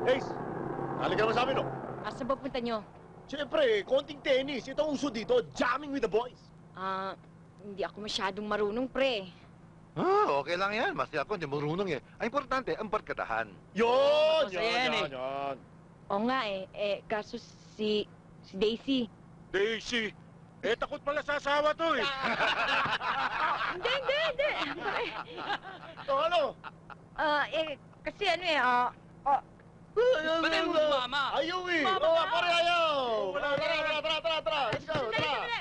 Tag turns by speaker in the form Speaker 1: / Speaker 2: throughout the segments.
Speaker 1: Ace, halika naman sa amin, no?
Speaker 2: Asa ba punta nyo?
Speaker 1: Siyempre, konting tennis. Ito ang uso dito, jamming with the boys.
Speaker 2: Hindi ako masyadong marunong, pre.
Speaker 3: Okay lang yan. Masaya ako, hindi marunong eh. Ang importante, ang barkadahan.
Speaker 1: Yun!
Speaker 4: Masaya yan,
Speaker 1: Yan.
Speaker 2: Oo nga kaso si Daisy.
Speaker 4: Daisy, takot pala sa asawa to eh.
Speaker 2: Hindi.
Speaker 1: Ano?
Speaker 2: Kasi
Speaker 4: Ba't ayaw mo sumama?
Speaker 1: Ayaw eh!
Speaker 2: Mama,
Speaker 1: Oo,
Speaker 2: wala.
Speaker 1: pare ayaw!
Speaker 4: Wala.
Speaker 1: Tara! Let's go, tara!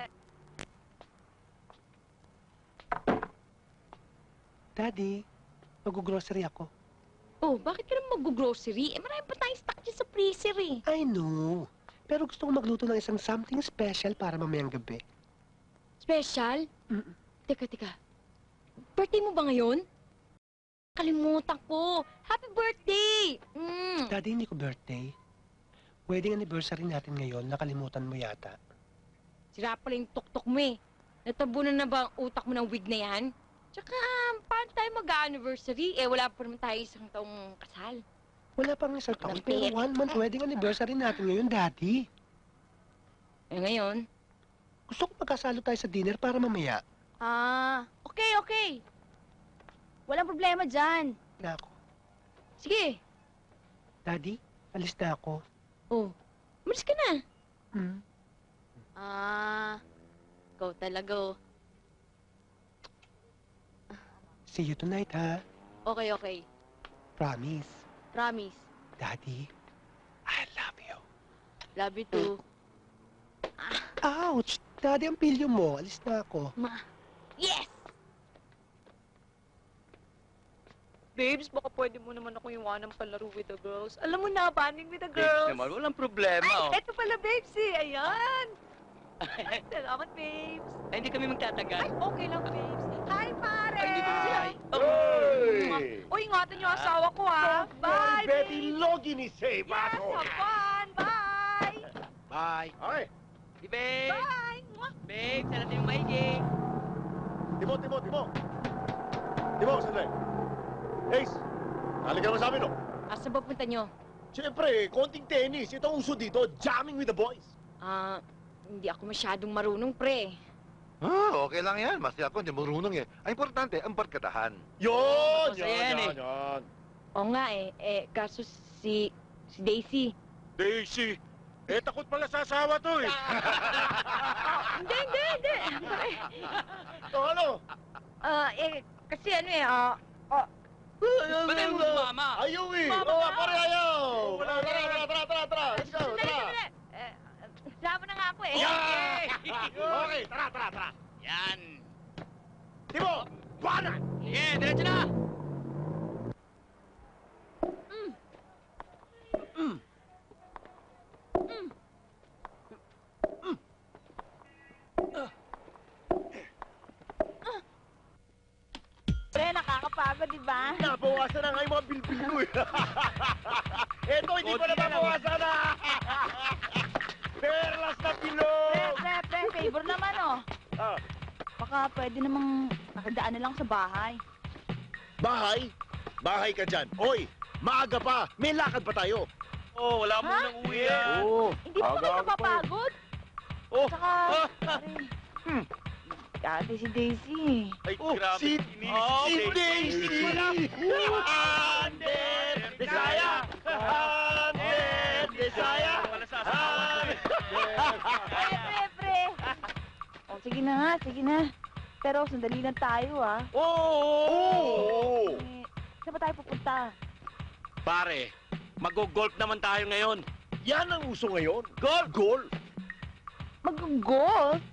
Speaker 5: Daddy, mag-grocery ako.
Speaker 2: Oh, bakit ka naman mag-grocery? Marami pa tayong stock dyan sa freezer eh.
Speaker 5: I know. Pero gusto ko magluto ng isang something special para mamayang gabi.
Speaker 2: Special?
Speaker 5: Mm-mm.
Speaker 2: Teka. Birthday mo ba ngayon? Kalimutan ko. Happy birthday!
Speaker 5: Daddy, hindi ko birthday. Wedding anniversary natin ngayon, nakalimutan mo yata.
Speaker 2: Sira pala yung tuktok mo eh. Natabunan na ba ang utak mo ng wig na yan? Tsaka, paano tayo mag-anniversary? Wala pa naman tayo isang taong kasal.
Speaker 5: Wala pang isang taon, pero 1 month wedding anniversary natin ngayon, Daddy.
Speaker 2: Ngayon?
Speaker 5: Gusto ko magkasalo tayo sa dinner para mamaya.
Speaker 6: Okay. Walang problema dyan.
Speaker 5: Na ako.
Speaker 2: Sige.
Speaker 5: Daddy, alis na ako.
Speaker 2: Oh, umalis ka na.
Speaker 6: Ikaw talaga oh.
Speaker 5: See you tonight, ha?
Speaker 6: Okay.
Speaker 5: Promise.
Speaker 6: Promise.
Speaker 5: Daddy, I love you.
Speaker 6: Love you too.
Speaker 5: Ouch! Daddy, ang pilyo mo. Alis na ako.
Speaker 6: Yes! Babes, baka pwede mo naman ako iwanan palaro with the girls. Alam mo na, banding with the
Speaker 4: Babes
Speaker 6: girls.
Speaker 4: naman, walang problema oh.
Speaker 6: Eto pala, babes eh. Ayan. Salamat, babes.
Speaker 4: Ay, hindi kami magtatagal.
Speaker 6: Okay lang, babes. Hi, pare!
Speaker 4: Ay, dito na sila.
Speaker 1: Hey!
Speaker 6: Uy, ingatan niyo asawa ko, ha? Bye,
Speaker 1: Betty
Speaker 6: babes.
Speaker 1: Logi ni Say,
Speaker 6: Yes,
Speaker 1: bato!
Speaker 6: have fun. Bye!
Speaker 4: Bye.
Speaker 1: Okay,
Speaker 4: Si Babe.
Speaker 6: Bye! Mwah!
Speaker 4: Babe, sana tayo maigi.
Speaker 1: Timo! Timo, sandali. Ace, halika naman sa amin, no?
Speaker 2: Asa ba punta nyo?
Speaker 1: Siyempre, konting tennis. Ito ang uso dito, jamming with the boys.
Speaker 2: Hindi ako masyadong marunong, pre.
Speaker 3: Okay lang yan. Masaya ako, hindi marunong eh. Ang importante, ang barkadahan.
Speaker 1: Yun!
Speaker 4: Masaya yan, eh.
Speaker 1: Yan.
Speaker 2: Oo nga kaso si Daisy.
Speaker 4: Daisy, takot pala sa asawa to eh.
Speaker 2: Hindi.
Speaker 1: Ano?
Speaker 2: Kasi
Speaker 4: Ba't ayaw mo sumama?
Speaker 1: Ayaw eh!
Speaker 6: Mama,
Speaker 1: Oo,
Speaker 6: wala.
Speaker 1: pare ayaw!
Speaker 4: Wala.
Speaker 1: Tara! Let's go, tara!
Speaker 2: Sama na nga ako eh.
Speaker 1: Yeah! Okay, tara!
Speaker 4: Yan.
Speaker 1: Timo, buwanan!
Speaker 4: Sige, diretso na.
Speaker 6: Pre, nakakapagod, di ba?
Speaker 1: Nabawasan na nga yung mga bilbil ko eh. Eto, hindi ko na mabawasan na! Perlas na bilog!
Speaker 6: Pre, favor naman, oh.
Speaker 1: Ah,
Speaker 6: Baka pwede namang nakadaan na lang sa bahay.
Speaker 1: bahay? Bahay ka dyan. Oy, maaga pa. May lakad pa tayo.
Speaker 4: Oh, wala mo nang uwi yan.
Speaker 1: Oo.
Speaker 6: Hindi mo ba kayo napapagod?
Speaker 4: Oh,
Speaker 6: Saka, ate si Daisy.
Speaker 4: ay,
Speaker 1: Oh,
Speaker 4: grabe.
Speaker 1: si
Speaker 4: Daisy.
Speaker 1: Daisy! Hundred Desire! Hundred Desire!
Speaker 4: Wala sa asawa.
Speaker 6: Pre. Oh, sige na. Pero sandali lang tayo, ah.
Speaker 1: Oo!
Speaker 6: Saan ba tayo pupunta?
Speaker 4: Pare, mag-golf naman tayo ngayon.
Speaker 1: Yan ang uso ngayon. Golf! Golf!
Speaker 6: Mag-golf?